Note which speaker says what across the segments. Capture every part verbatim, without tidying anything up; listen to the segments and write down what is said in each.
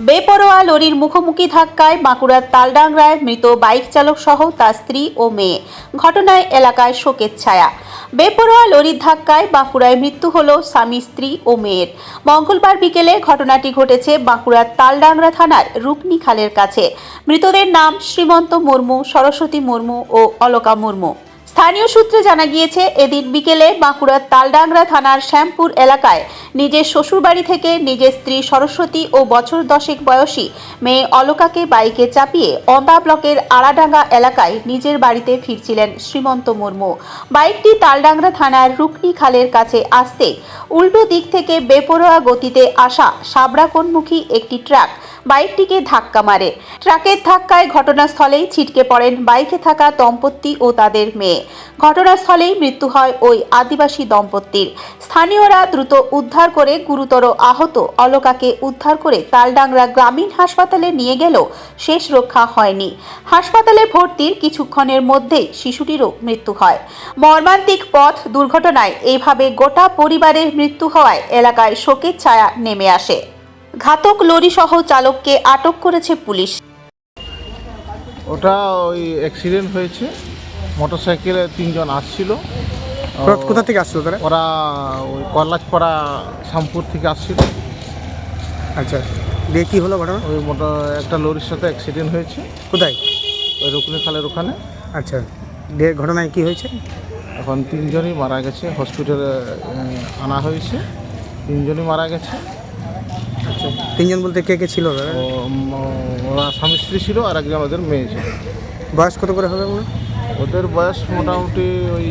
Speaker 1: বেপরোয়া লরির মুখোমুখি ধাক্কায় বাঁকুড়ার তালডাংরায় মৃত বাইক চালক সহ তার স্ত্রী ও মেয়ে। ঘটনায় এলাকায় শোকের ছায়া। বেপরোয়া লরির ধাক্কায় বাঁকুড়ায় মৃত্যু হল স্বামী, স্ত্রী ও মেয়ের। মঙ্গলবার বিকেলে ঘটনাটি ঘটেছে বাঁকুড়ার তালডাংরা থানার রুকনি খালের কাছে। মৃতদের নাম শ্রীমন্ত মুর্মু, সরস্বতী মুর্মু ও অলকা মুর্মু। স্থানীয় সূত্রে জানা গিয়েছে, এদিন বিকেলে বাঁকুড়ার তালডাংরা থানার শ্যামপুর এলাকায় নিজের শ্বশুরবাড়ি থেকে নিজের স্ত্রী সরস্বতী ও বছর দশেক বয়সী মেয়ে অলকাকে বাইকে চাপিয়ে অন্দা ব্লকের আড়াডাঙ্গা এলাকায় নিজের বাড়িতে ফিরছিলেন শ্রীমন্ত মুর্মু। বাইকটি তালডাংরা থানার রুকনি খালের কাছে আসতে উল্টো দিক থেকে বেপরোয়া গতিতে আসা সাবরাকোণমুখী একটি ট্রাক বাইকটিকে ধাক্কা মারে। ট্রাকের ধাক্কায় ঘটনাস্থলেই ছিটকে পড়েন বাইকে থাকা দম্পতি ও তাদের মেয়ে। ঘটনাস্থলেই মৃত্যু হয় ওই আদিবাসী দম্পতির। স্থানীয়রা দ্রুত উদ্ধার করে গুরুতর আহত অলকাকে উদ্ধার করে তালডাংরা গ্রামীণ হাসপাতালে নিয়ে গেলেও শেষ রক্ষা হয়নি। হাসপাতালে ভর্তির কিছুক্ষণের মধ্যেই শিশুটিরও মৃত্যু হয়। মর্মান্তিক পথ দুর্ঘটনায় এইভাবে গোটা পরিবারের মৃত্যু হওয়ায় এলাকায় শোকের ছায়া নেমে আসে। ঘাতক লরি সহ চালককে আটক করেছে পুলিশ।
Speaker 2: ওটা ওই অ্যাক্সিডেন্ট হয়েছে, মোটরসাইকেলে তিনজন আসছিল।
Speaker 3: কোথা থেকে আসছিল তারা?
Speaker 2: ওরা ওই কলাজপাড়া শ্যামপুর থেকে আসছিল।
Speaker 3: আচ্ছা, দিয়ে কী হলো ঘটনা?
Speaker 2: ওই মোটর একটা লরির সাথে অ্যাক্সিডেন্ট হয়েছে।
Speaker 3: কোথায়?
Speaker 2: ওই রুকনি খালের ওখানে।
Speaker 3: আচ্ছা, দিয়ে ঘটনায় কী হয়েছে?
Speaker 2: এখন তিনজনই মারা গেছে, হসপিটালে আনা হয়েছে। তিনজনই মারা গেছে।
Speaker 3: আচ্ছা, তিনজন বলতে কে কে ছিল দাদা?
Speaker 2: ও ওরা স্বামী স্ত্রী ছিল আর একজন ওদের মেয়ে ছিল।
Speaker 3: বয়স কত করে হবে মনে?
Speaker 2: ওদের বয়স মোটামুটি ওই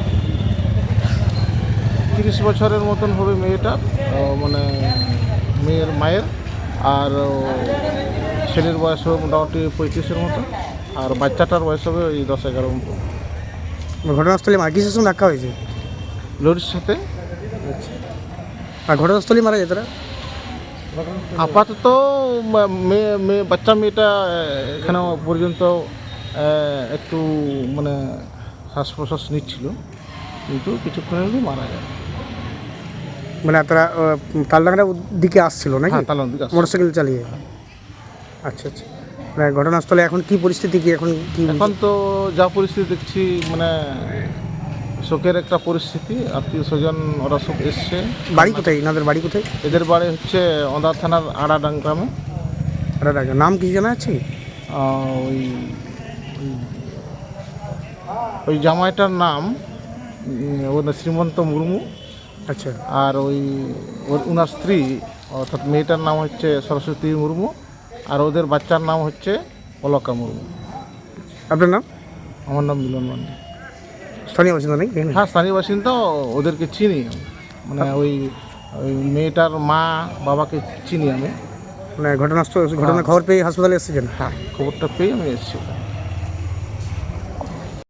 Speaker 2: তিরিশ বছরের মতন হবে মেয়েটার, মানে মেয়ের মায়ের। আর ছেলের বয়স হবে মোটামুটি পঁয়ত্রিশের মতো, আর বাচ্চাটার বয়স হবে ওই দশ এগারো মতো।
Speaker 3: ঘটনাস্থলে আর কিসের সঙ্গে ধাক্কা হয়েছে?
Speaker 2: লরির সাথে।
Speaker 3: আচ্ছা, আর ঘটনাস্থলে মারা যায় তারা?
Speaker 2: আপাতত মেয়ে মেয়ে বাচ্চা মেয়েটা এখানে পর্যন্ত একটু মানে শ্বাস প্রশ্বাস নিচ্ছিল, কিন্তু কিছুক্ষণের মধ্যে মারা যায়।
Speaker 3: মানে তারা তালডাংরার দিকে আসছিল নাকি?
Speaker 2: হ্যাঁ, তালডাংরার দিকে আসছিল
Speaker 3: মোটরসাইকেল চালিয়ে। আচ্ছা আচ্ছা, মানে ঘটনাস্থলে এখন কি পরিস্থিতি, কি এখন কি?
Speaker 2: এখন তো যা পরিস্থিতি দেখছি, মানে শোকের একটা পরিস্থিতি। আত্মীয় স্বজন ওরা সব এসছে।
Speaker 3: বাড়ি কোথায় এনাদের? বাড়ি কোথায়?
Speaker 2: এদের বাড়ি হচ্ছে অন্দা থানার আড়াডাং গ্রামে।
Speaker 3: আড়াডাঙ্গা। নাম কি জানা আছে?
Speaker 2: ওই ওই জামাইটার নাম ওর শ্রীমন্ত মুর্মু।
Speaker 3: আচ্ছা,
Speaker 2: আর ওই ওর ওনার স্ত্রী অর্থাৎ মেয়েটার নাম হচ্ছে সরস্বতী মুর্মু, আর ওদের বাচ্চার নাম হচ্ছে অলকা মুর্মু।
Speaker 3: আপনার নাম?
Speaker 2: আমার নাম মিলন মান্ডি।
Speaker 3: স্থানীয় বাসিন্দা নাকি?
Speaker 2: হ্যাঁ, স্থানীয় বাসিন্দা। ওদেরকে চিনি, মানে ওই ওই মেয়েটার মা বাবাকে চিনি আমি।
Speaker 3: মানে ঘটনাস্থল ঘটনার খবর পেয়ে হাসপাতালে এসেছেন?
Speaker 2: হ্যাঁ, খবরটা পেয়ে আমি এসেছি।